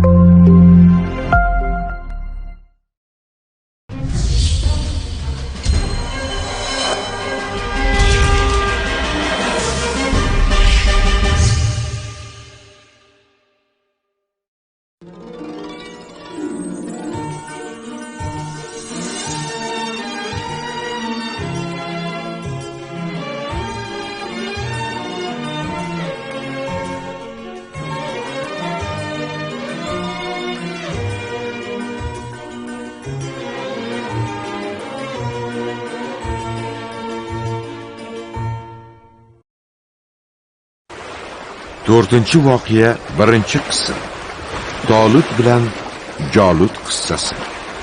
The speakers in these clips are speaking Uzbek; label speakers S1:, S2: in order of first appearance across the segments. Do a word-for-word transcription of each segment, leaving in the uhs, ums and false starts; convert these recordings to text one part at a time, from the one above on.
S1: to'rtinchi voqea birinchi qism. Tolut bilan Jolut qissasi.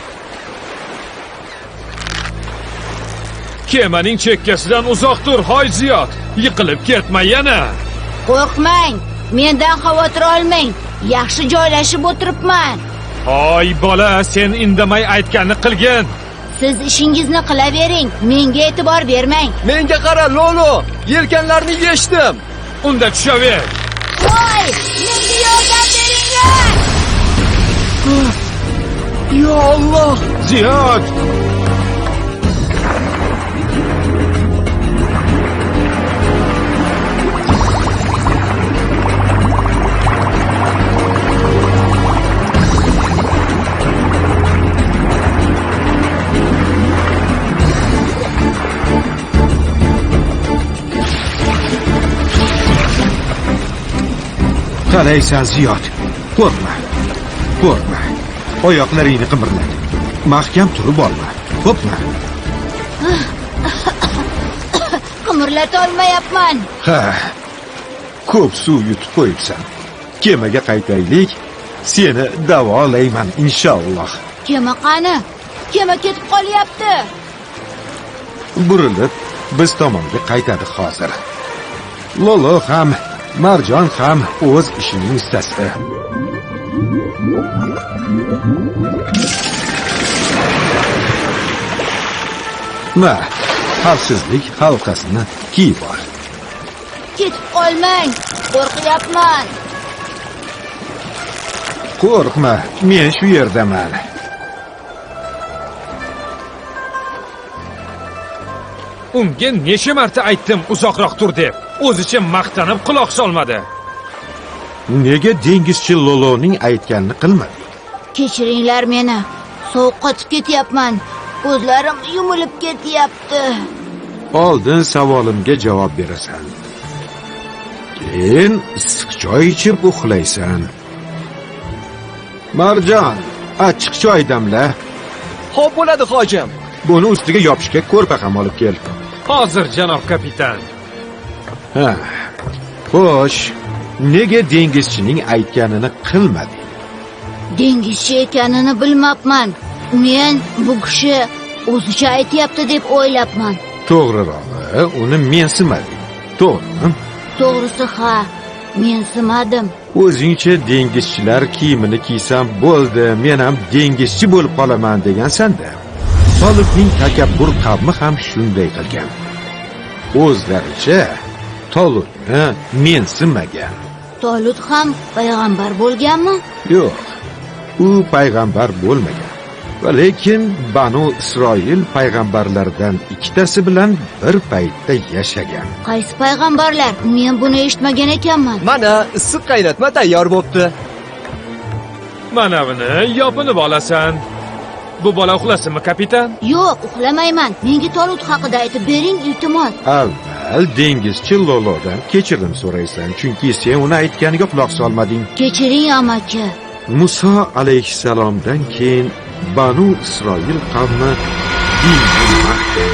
S2: Kemaning chekkasidan uzoq tur, hoy Ziyod. Yiqilib ketma yana.
S3: Qo'rqmang, mendan xavotir olmang. Yaxshi joylashib o'tiribman.
S2: Hoy bola, sen indamay aytganni qilgin.
S3: Siz ishingizni qilavering, menga e'tibor bermang.
S4: Menga qara, Lolo, yelkanlarni yechdim.
S2: Unda tushaver.
S3: Voy, menga yordam beringlar.
S4: Ya Alloh,
S2: Ziyod.
S1: Qalaysan Ziyod, qo'rqma, qo'rqma. Oyoqlaringni qimirlat. Mahkam turib olma, qo'rqma.
S3: Qimirlata olmayapman.
S1: Ha, ko'p suv yutib qo'yibsan. Kemaga qaytaylik, seni davolayman inshaalloh.
S3: Kema qani? Kema ketib qolyapti.
S1: Burilib, biz tomonga qaytadi hozir. Lolo ham Marjon ham o'z ishining ustasi. Ma, xavfsizlik halqasini kiyib ol.
S3: Ketib qolmang, qo'rqyapman.
S1: Qo'rqma, men shu yerdaman.
S2: Unga necha marta aytdim uzoqroq tur deb. O'zicha maqtanib quloq solmadi.
S1: Nega dengizchi Loloning aytganini qilmading?
S3: Kechiringlar meni. Sovuq qotib ketyapman. Ko'zlarim yumilib ketyapti.
S1: Oldin savolimga javob berasan. Keyin issiq choy ichib uxlaysan. Marjon, achchiq choy damla.
S4: Xo'p bo'ladi, hojim.
S1: Buni ustiga yopishga ko'rpa ham olib kel.
S2: Hozir, janob kapitan.
S1: Ha. Xo'sh, nega dengizchining aytganini qilmading?
S3: Dengizchi ekanini bilmabman. Men bu kishi o'zicha aytayapti deb o'ylabman.
S1: To'g'rirog'i, uni mensimading. To'g'rimi?
S3: To'g'risi ha, mensimadim.
S1: O'zingcha dengizchilar kiyimini kiysam bo'ldi, men ham dengizchi bo'lib qolaman degansan-da. Tolutning takabbur qavmi ham shunday qilgan. O'zlaricha Tolutni mensimagan.
S3: Tolut ham payg'ambar bo'lganmi?
S1: Yo'q, u payg'ambar bo'lmagan. Va lekin Banu Isroil payg'ambarlardan ikkitasi bilan bir paytda yashagan.
S3: Qaysi payg'ambarlar? Men buni eshitmagan ekanman.
S4: Mana issiq qaynatma tayyor bo'pti.
S2: Mana buni yopinib olasan. Bu bola uxlasinmi, kapitan?
S3: Yo'q, uxlamayman. Menga Tolut haqida aytib bering, iltimos.
S1: Avval dengizchi Lolodan kechirim so'raysan, chunki sen uni aytganiga quloq solmading.
S3: Kechiring, amaki.
S1: Muso alayhissalomdan keyin Banu Isroil qavmi dinni mahkam,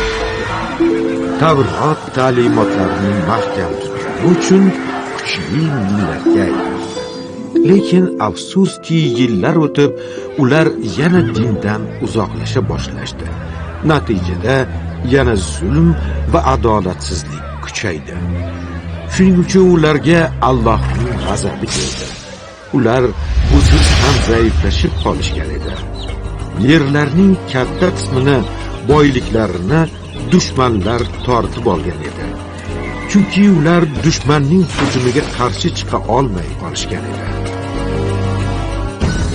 S1: Tavrot ta'limotlarini mahkam tutgani uchun kuchli millatga aylandi. Lekin afsuski yillar o'tib, ular yana dindan uzoqlasha boshlashdi. Natijada yana zulm va adolatsizlik kuchaydi. Shuning uchun ularga Allohning g'azabi keldi. Ular busiz ham zaiflashib qolishgan edi. Yerlarning katta qismini, boyliklarini dushmanlar tortib olgan edi. Chunki ular dushmanning hujumiga qarshi chiqa olmay qolishgan edi.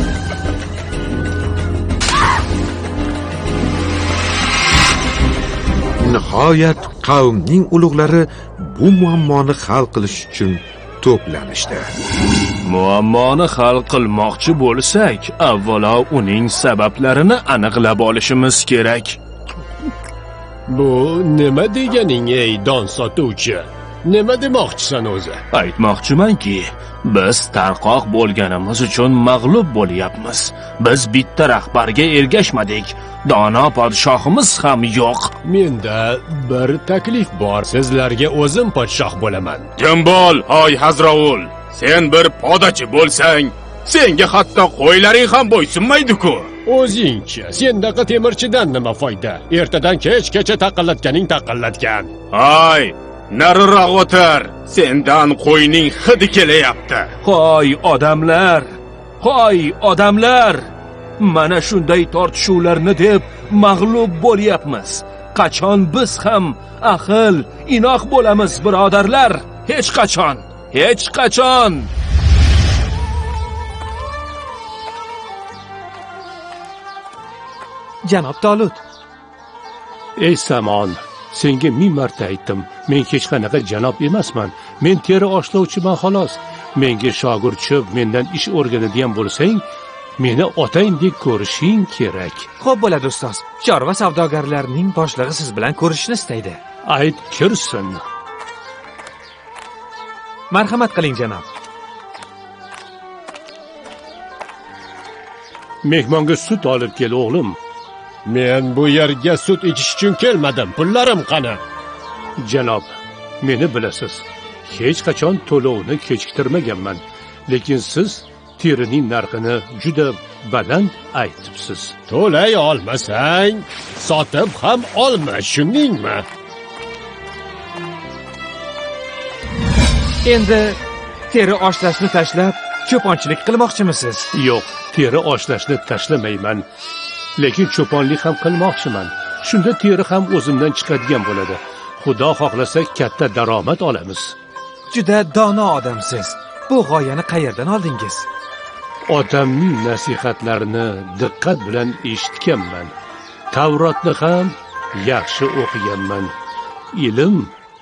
S1: Nihoyat qavmning ulug'lari bu muammoni hal qilish uchun to'planishdi.
S5: Muammoni hal qilmoqchi bo'lsak, avvalo uning sabablarini aniqlab olishimiz kerak.
S6: Bu nima deganing, ey don sotuvchi? Nima demoqchisan o'zi?
S5: Aytmoqchimanki, biz tarqoq bo'lganimiz uchun mag'lub bo'lyapmiz. Biz bitta rahbarga ergashmadik. Dono podshohimiz ham yo'q.
S6: Menda bir taklif bor. Sizlarga o'zim podshoh bo'laman.
S5: Kim bo'l, hoy Hazrovul. Sen bir podachi bo'lsang, senga hatto qo'ylaring ham bo'ysunmaydi-ku.
S6: O'zingchi, sendaqa temirchidan nima foyda? Ertadan kechgacha taqillatganing taqillatgan.
S5: Hoy, nariroq o'tir. Sendan qo'yning hidi kelyapti. Hoy odamlar. Hoy odamlar. Mana shunday tortishuvlarni deb mag'lub bo'lyapmiz. Qachon biz ham ahil, inoq bo'lamiz, birodarlar? Hech qachon. Hech qachon.
S2: Janob Tolut.
S6: Ey Samon, senga ming marta aytdim. Men hech qanaqa janob emasman. Men teri oshlovchiman xolos. Menga shogird cho'p, mendan ish o'rganadigan bo'lsang, meni otangdek ko'rishing kerak.
S2: Xo'p bo'ladi ustoz. Chorva savdogarlarining boshlig'i siz bilan ko'rishishni istaydi.
S6: Ayt kirsin.
S2: Marhamat qiling, janob.
S6: Mehmonga sut olib kel, o'g'lim. Men bu yerga sut ichish uchun kelmadim. Pullarim qani? Janob, meni bilasiz. Hech qachon to'lovni kechiktirmaganman. Lekin siz terining narxini juda baland aytibsiz. To'lay olmasang, sotib ham olma, shundingmi?
S2: Endi teri oshlashni tashlab, cho'ponchilik qilmoqchimisiz?
S6: Yo'q, teri oshlashni tashlamayman. Lekin cho'ponlik ham qilmoqchiman. Shunda teri ham o'zimdan chiqadigan bo'ladi. Xudo xohlasa katta daromad olamiz.
S2: Juda dono odamsiz. Bu g'oyani qayerdan oldingiz?
S6: Otamning nasihatlarini diqqat bilan eshitganman. Tavrotni ham yaxshi o'qiganman. Ilm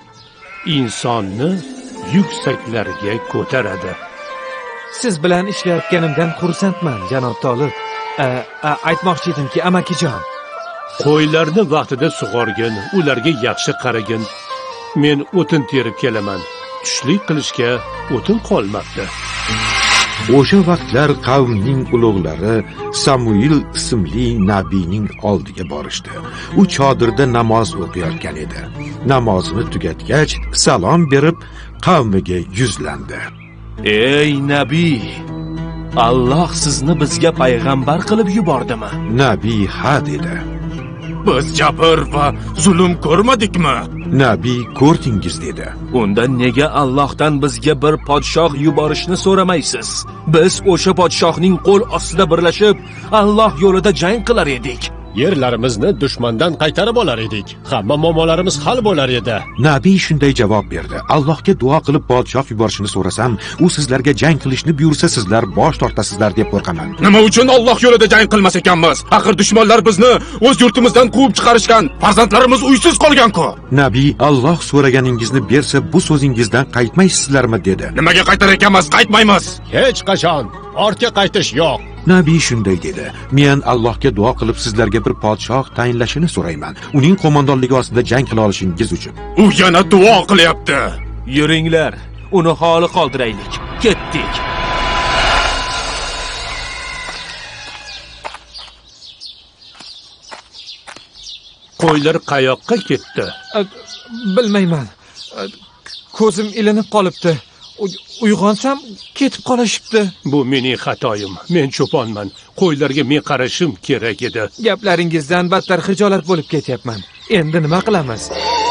S6: insonni yuksaklarga ko'taradi.
S2: Siz bilan ishlayotganimdan xursandman, janob Tolut. A, a, aytmoqchi edimki, amakijon.
S6: Qo'ylarni vaqtida sug'orgin, ularga yaxshi qaragin. Men o'tin terib kelaman. Tushlik qilishga o'tin qolmabdi.
S1: O'sha vaqtlar qavmning ulug'lari Samuil ismli nabiyning oldiga borishdi. U chodirda namoz o'qiyotgan edi. Namozini tugatgach, salom berib, qavmiga yuzlandi.
S5: Ey nabiy, Alloh sizni bizga payg'ambar qilib yubordimi?
S1: Nabiy ha dedi.
S5: Biz jabr va zulm ko'rmadikmi?
S1: Nabiy ko'rdingiz dedi.
S5: Unda nega Allohdan bizga bir podshoh yuborishni so'ramaysiz? Biz o'sha podshohning qo'l ostida birlashib, Alloh yo'lida jang qilar edik.
S6: Yerlarimizni dushmandan qaytarib olar edik. Hamma muammolarimiz hal bo'lar edi.
S1: Nabiy shunday javob berdi. Allohga duo qilib podshoh yuborishni so'rasam, u sizlarga jang qilishni buyursa, sizlar bosh tortasizlar deb qo'rqaman.
S5: Nima uchun Alloh yo'lida jang qilmas ekanmiz? Axir dushmanlar bizni o'z yurtimizdan quvib chiqarishgan, farzandlarimiz uysiz qolgan-ku.
S1: Nabiy, Alloh so'raganingizni bersa, bu so'zingizdan qaytmaysizlarmi dedi.
S5: Nimaga qaytar ekanmiz? Qaytmaymiz.
S6: Hech qachon ortga qaytish yo'q.
S1: Nabiy shunday dedi. Men Allohga duo qilib sizlarga bir podshoh tayinlashini so'rayman. Uning qo'mondonligi ostida jang qila olishingiz uchun.
S5: U yana duo qilyapti. Yuringlar, uni holi qoldiraylik. Ketdik.
S6: Qo'ylar qayoqqa ketdi?
S2: A, bilmayman. A, ko'zim ilinib qolibdi. Uyg'onsam ketib qolishibdi.
S6: Bu mening xatoyim. Men cho'ponman. Qo'ylarga men qarashim kerak edi.
S2: Gaplaringizdan battar xijolat bo'lib ketyapman. Endi nima qilamiz?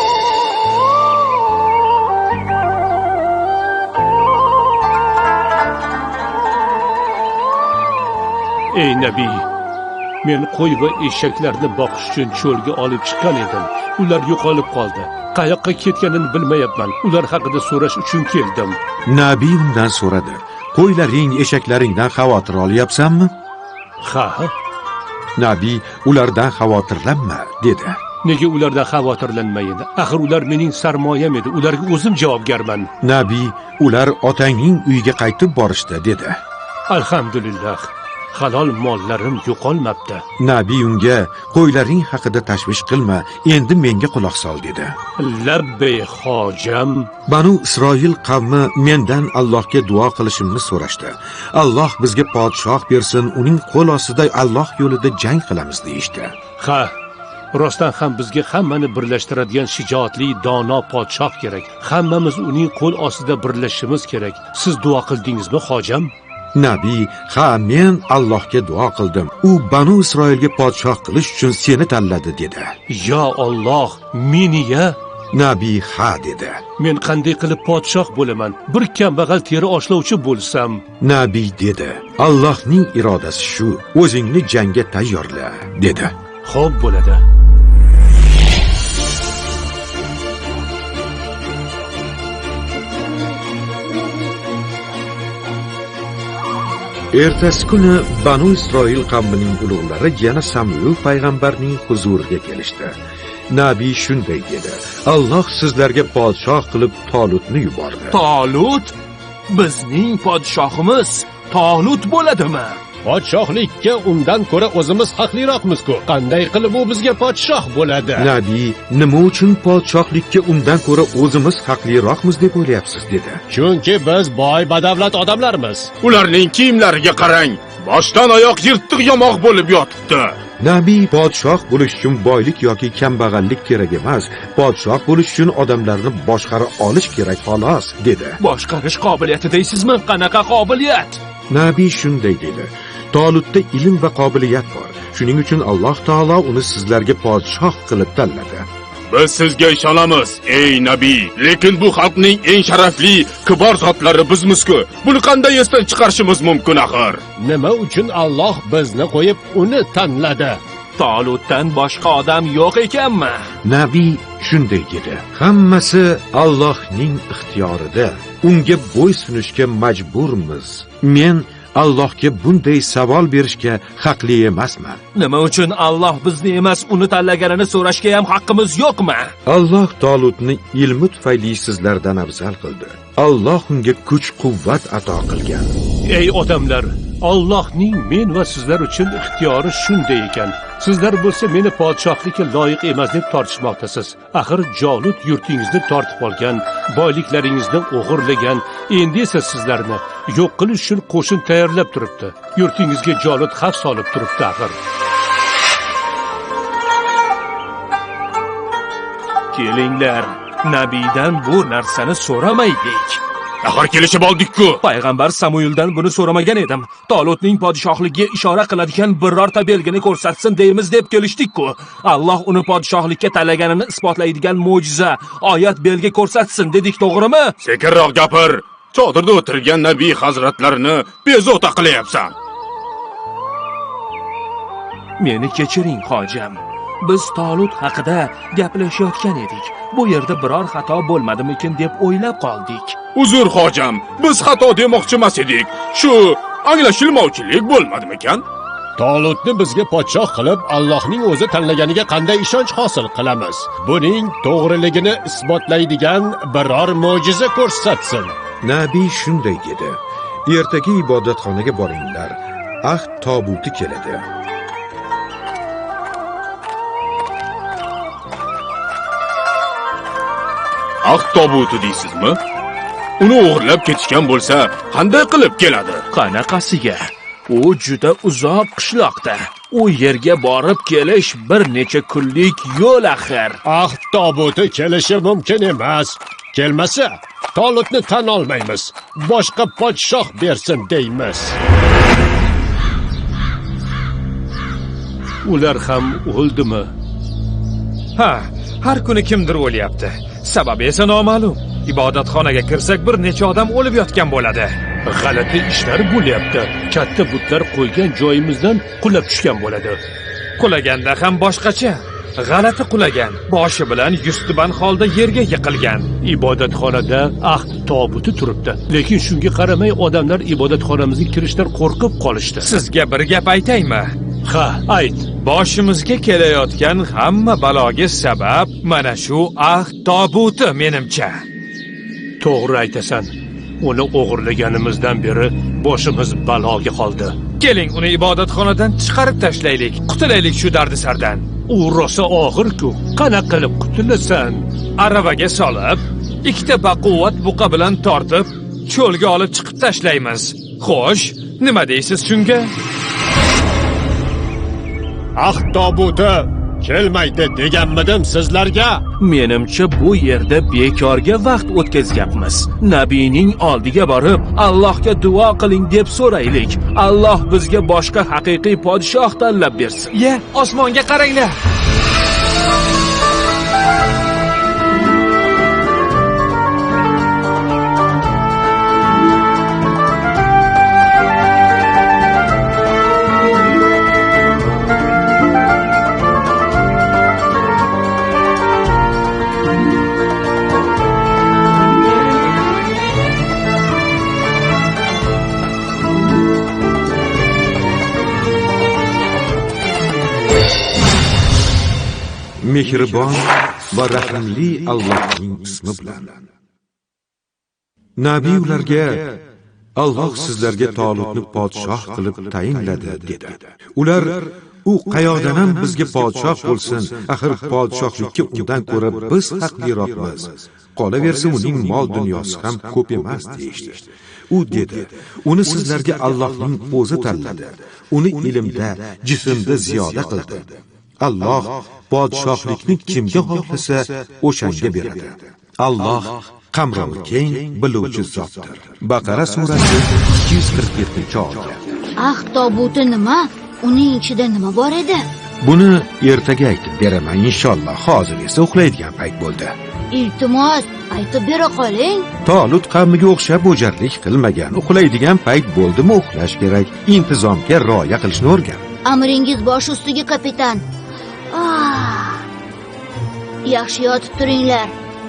S6: Ey nabiy, men qo'y va eshaklarni boqish uchun cho'lga olib chiqqan edim. Ular yo'qolib qoldi. Qayoqqa ketganini bilmayapman. Ular haqida so'rash uchun keldim.
S1: Nabiy undan so'radi. Qo'ylaring, eshaklaringdan xavotir olyapsanmi?
S6: Ha.
S1: Nabiy ulardan xavotirlanma dedi.
S6: Nega ulardan xavotirlanmayin? Axir ular mening sarmoyam edi. Ularga o'zim javobgarman.
S1: Nabiy, ular otangning uyiga qaytib borishdi, dedi.
S6: Alhamdulillah. Halol mollarim yo'qolmabdi.
S1: Nabiy unga, qo'ylaring haqida tashvish qilma, endi menga quloq sol, dedi.
S6: Labbay hojam.
S1: Banu Isroil qavmi mendan Allohga duo qilishimni so'rashdi. Alloh bizga podshoh bersin, uning qo'l ostida Alloh yo'lida jang qilamiz deyishdi.
S6: Ha, rostdan ham bizga hammani birlashtiradigan shijoatli, dono podshoh kerak. Hammamiz uning qo'l ostida birlashishimiz kerak. Siz duo qildingizmi, hojam?
S1: Nabiy, ha, men Allohga duo qildim. U Banu Isroilga podshoh qilish uchun seni tanladi, dedi.
S6: Yo Alloh, meni-ya?
S1: Nabiy ha dedi.
S6: Men qanday qilib podshoh bo'laman? Bir kambag'al teri oshlovchi bo'lsam.
S1: Nabiy dedi. Allohning irodasi shu. O'zingni jangga tayyorla, dedi.
S6: Xo'p bo'ladi.
S1: Ertasi kuni Banu Isroil qavmining ulug'lari yana Samuel payg'ambarning huzuriga kelishdi. Nabiy shunday dedi. Alloh sizlarga podshoh qilib Tolutni yubordi.
S5: Tolut? Bizning podshohimiz Tolut bo'ladimi?
S6: Podshohlikka undan ko'ra o'zimiz haqliroqmiz-ku. Qanday qilib u bizga podshoh bo'ladi?
S1: Nabiy, nima uchun podshohlikka undan ko'ra o'zimiz haqliroqmiz deb o'ylayapsiz, dedi.
S6: Chunki biz boy badavlat odamlarmiz.
S7: Ularning kiyimlariga qarang. Boshdan oyoq yirtiq yamoq bo'lib yotibdi.
S1: Nabiy, podshoh bo'lish uchun boylik yoki kambag'allik kerak emas. Podshoh bo'lish uchun odamlarni boshqara olish kerak, xolos, dedi.
S5: Boshqarish qobiliyati deysizmi? Qanaqa qobiliyat?
S1: Nabiy shunday dedi. Tolutda ilm va qobiliyat bor. Shuning uchun Alloh taolo uni sizlarga podshoh qilib tanladi.
S7: Biz sizga ishonamiz, ey nabiy. Lekin bu xalqning eng sharafli, kibor zotlari bizmiz-ku. Buni qanday esdan chiqarishimiz mumkin axir?
S6: Nima uchun Alloh bizni qo'yib uni tanladi?
S5: Tolutdan boshqa odam yo'q ekanmi?
S1: Nabiy shunday dedi. Hammasi Allohning ixtiyorida. Unga bo'ysunishga majburmiz. Men Allohga bunday savol berishga haqli emasman.
S5: Nima uchun Alloh bizni emas, uni tanlaganini so'rashga ham haqqimiz yo'qmi?
S1: Alloh Tolutni ilmi tufayli sizlardan afzal qildi. Alloh unga kuch-quvvat ato qilgan.
S6: Ey odamlar, Allohning men va sizlar uchun ixtiyori shunday ekan. Sizlar bo'lsa meni podshohlikka loyiq emas deb tortishmoqdasiz. Axir Jolut yurtingizni tortib olgan, boyliklaringizni o'g'irlagan, endi esa sizlarni yo'q qilish uchun qo'shin tayyorlab turibdi. Yurtingizga Jolut xavf solib turibdi axir.
S5: Kelinglar, nabiydan bu narsani so'ramaydik.
S7: Axir kelishib oldik-ku.
S5: Payg'ambar Samueldan buni so'ramagan edim. Tolutning podshohligiga ishora qiladigan birorta belgini ko'rsatsin deymiz deb kelishdik-ku. Alloh uni podshohlikka tanlaganini isbotlaydigan mo'jiza, oyat belgi ko'rsatsin dedik, to'g'rimi?
S7: Sekinroq gapir. Chodirda o'tirgan nabiy hazratlarini bezovta qilyapsan.
S5: Meni kechiring, hojam. Biz Tolut haqida gaplashayotgan edik. Bu yerda biror xato bo'lmadimikin deb o'ylab qoldik.
S7: Uzr hojam, biz xato demoqchi emas edik. Shu anglashilmovchilik bo'lmadimikan?
S6: Tolutni bizga podshoh qilib Allohning o'zi tanlaganiga qanday ishonch hosil qilamiz? Buning to'g'riligini isbotlaydigan biror mo'jiza ko'rsatsin.
S1: Nabiy shunday dedi. Ertaga ibodatxonaga boringlar. Ahd tobuti keladi.
S7: Ahd tobuti deysizmi? Uni o'g'irlab ketishgan bo'lsa, qanday qilib keladi?
S5: Qanaqasiga? U juda uzoq qishloqda. U yerga borib kelish bir necha kunlik yo'l axir.
S6: Ahd tobuti kelishi mumkin emas. Kelmasa, Tolutni tan olmaymiz. Boshqa podshoh bersin deymiz. Ular ham o'ldimi?
S2: Ha, har kuni kimdir o'lyapti. Sababi esa noma'lum. Ibodatxonaga kirsak bir necha odam o'lib yotgan bo'ladi.
S6: G'alati ishlar bo'lyapti. Katta butlar qo'ygan joyimizdan qulab tushgan bo'ladi.
S2: Qulaganda ham boshqacha. G'alati qulagan. Boshi bilan yuztuban holda yerga yiqilgan.
S6: Ibodatxonada ahd tobuti turibdi. Lekin shunga qaramay odamlar ibodatxonamizga kirishdan qo'rqib qolishdi.
S2: Sizga bir gap aytaymi?
S6: Ha, ayt.
S2: Boshimizga kelayotgan hamma baloga sabab mana shu ahd tobuti menimcha.
S6: To'g'ri aytasan. Uni o'g'irlaganimizdan beri boshimiz baloga qoldi.
S2: Keling, uni ibodatxonadan chiqarib tashlaylik. Qutulaylik shu dardisardan.
S6: U rosa og'ir-ku. Qana qilib qutulasan?
S2: Aravaga solib, ikkita baquvvat buqa bilan tortib, cho'lga olib chiqib tashlaymiz. Xo'sh, nima deysiz shunga?
S6: Ahd tobuti kelmaydi deganmidim sizlarga.
S5: Menimcha bu yerda bekorga vaqt o'tkazyapmiz. Nabiyning oldiga borib, Allohga duo qiling deb so'raylik. Alloh bizga boshqa haqiqiy podshoh tanlab bersin.
S2: Ye, osmonga qaranglar.
S1: Mehribon va rahimli Allohning ismi bilan. Nabiy ularga Alloh sizlarga Tolutni podshoh qilib tayinladi dedi. Ular u qayoqdan ham bizga podshoh bo'lsin, axir podshohlikka undan ko'ra biz haqliroqmiz. Qolaversa uning mol dunyosi ham ko'p emas deyishdi. U dedi, uni sizlarga Allohning o'zi tanladi. Uni ilmda, jismda ziyoda qildi. Alloh podshohlikni kimga xohlasa o'shanga beradi. Alloh qamrovi keng, biluvchi zotdir. Baqara surasi ikki yuz qirq yettinchi oyat.
S3: Ahd tobuti nima? Uning ichida nima bor edi?
S1: Buni ertaga aytib beraman inshaalloh. Hozir esa uxlaydigan payt bo'ldi.
S3: Iltimos, aytib bera qoling.
S1: Tolut qavmiga o'xshab o'jarlik qilmagan. Uxlaydigan payt bo'ldimi uxlash kerak. Intizomga rioya qilishni o'rgan.
S3: Amringiz bosh ustiga, kapitan. Ah, yaxshi yotib turinglar.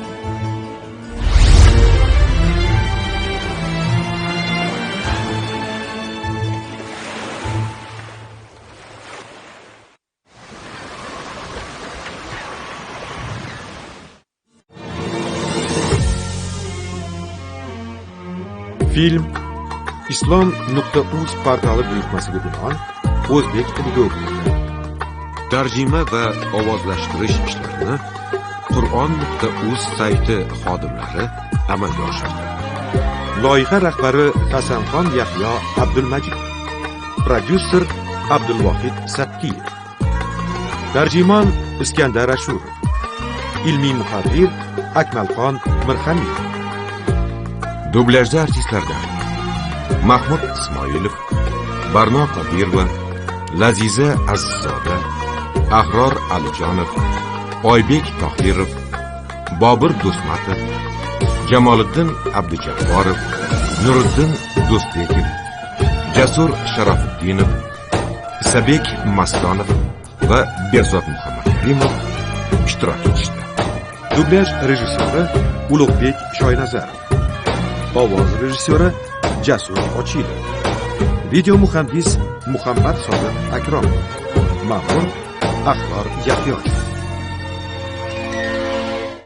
S1: Film islom nuqta uz portali buyurtmasiga binoan o'zbek tiliga o'girilgan. Tarjima va ovozlashtirish ishlarini Qur'on nuqta uz sayti xodimlari amalga oshirdi. Loyiha rahbari Hasanxon Yahyo Abdulmajid, prodyuser Abdulvohid Sapkiyev, tarjimon Iskandar Ashurov, ilmiy muharrir Akmalxon Mirxaniyev. Dublyajda artistlardan Mahmud Ismoilov, Barno Qodirova, Laziza Azizzoda, Ahror Alijonov, Oybek Tohirov, Bobur Do'stmatov, Jamoliddin Abdujabborov, Nuriddin Do'stbekov, Jasur Sharofiddinov, Isabek Mastonov va Berzod Muhammadkarimov ishtirok etishdi. Dublyaj rejissyori Ulug'bek Shoynazarov, ovoz rejissyori Jasur Ochilov, video muhandis Muhammad Sodiq Akromov, ma'mur Axlor Yahyo.